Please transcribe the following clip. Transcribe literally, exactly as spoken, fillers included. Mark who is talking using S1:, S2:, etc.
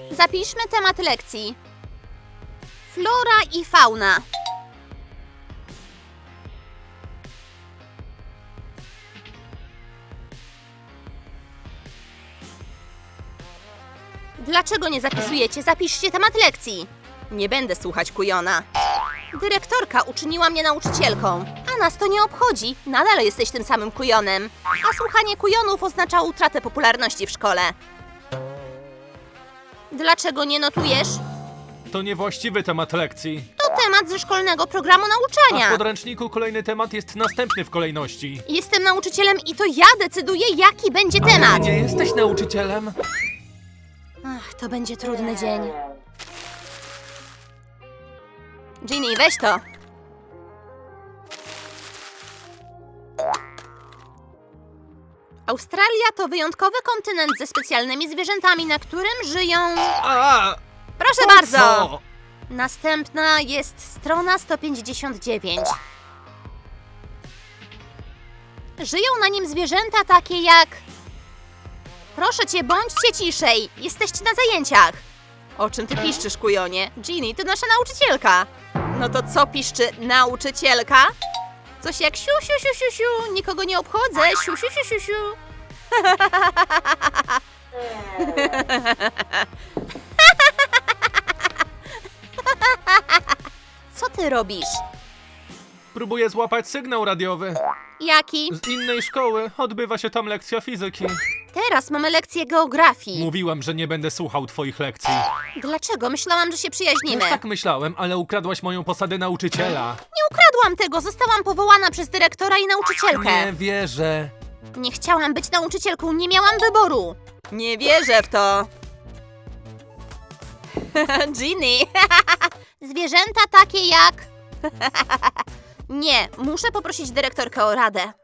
S1: Zapiszmy temat lekcji. Flora i fauna. Dlaczego nie zapisujecie? Zapiszcie temat lekcji. Nie będę słuchać kujona. Dyrektorka uczyniła mnie nauczycielką, a nas to nie obchodzi. Nadal jesteś tym samym kujonem. A słuchanie kujonów oznacza utratę popularności w szkole. Dlaczego nie notujesz?
S2: To niewłaściwy temat lekcji.
S1: To temat ze szkolnego programu
S2: A w
S1: nauczania.
S2: podręczniku kolejny temat jest następny w kolejności.
S1: Jestem nauczycielem i to ja decyduję, jaki będzie temat.
S2: Nie jesteś nauczycielem?
S1: Ach, to będzie trudny dzień. Ginny, weź to. Australia to wyjątkowy kontynent ze specjalnymi zwierzętami, na którym żyją...
S2: A,
S1: Proszę
S2: po
S1: bardzo!
S2: co?
S1: Następna jest strona sto pięćdziesiąt dziewięć. Żyją na nim zwierzęta takie jak... Proszę cię, bądźcie ciszej. Jesteście na zajęciach. O czym ty piszczysz, kujonie? Ginny, to nasza nauczycielka. No to co piszczy nauczycielka? Coś jak siu, siu, siu, siu, siu. Nikogo nie obchodzę. Siu, siu, siu, siu, siu. Co ty robisz?
S2: Próbuję złapać sygnał radiowy.
S1: Jaki?
S2: Z innej szkoły odbywa się tam lekcja fizyki.
S1: Teraz mamy lekcję geografii.
S2: Mówiłem, że nie będę słuchał twoich lekcji.
S1: Dlaczego? Myślałam, że się przyjaźnimy.
S2: Też tak myślałem, ale ukradłaś moją posadę nauczyciela.
S1: Nie ukradłam tego. Zostałam powołana przez dyrektora i nauczycielkę.
S2: Nie wierzę.
S1: Nie chciałam być nauczycielką, nie miałam wyboru. Nie wierzę w to. Ginny. Zwierzęta takie jak... Nie, muszę poprosić dyrektorkę o radę.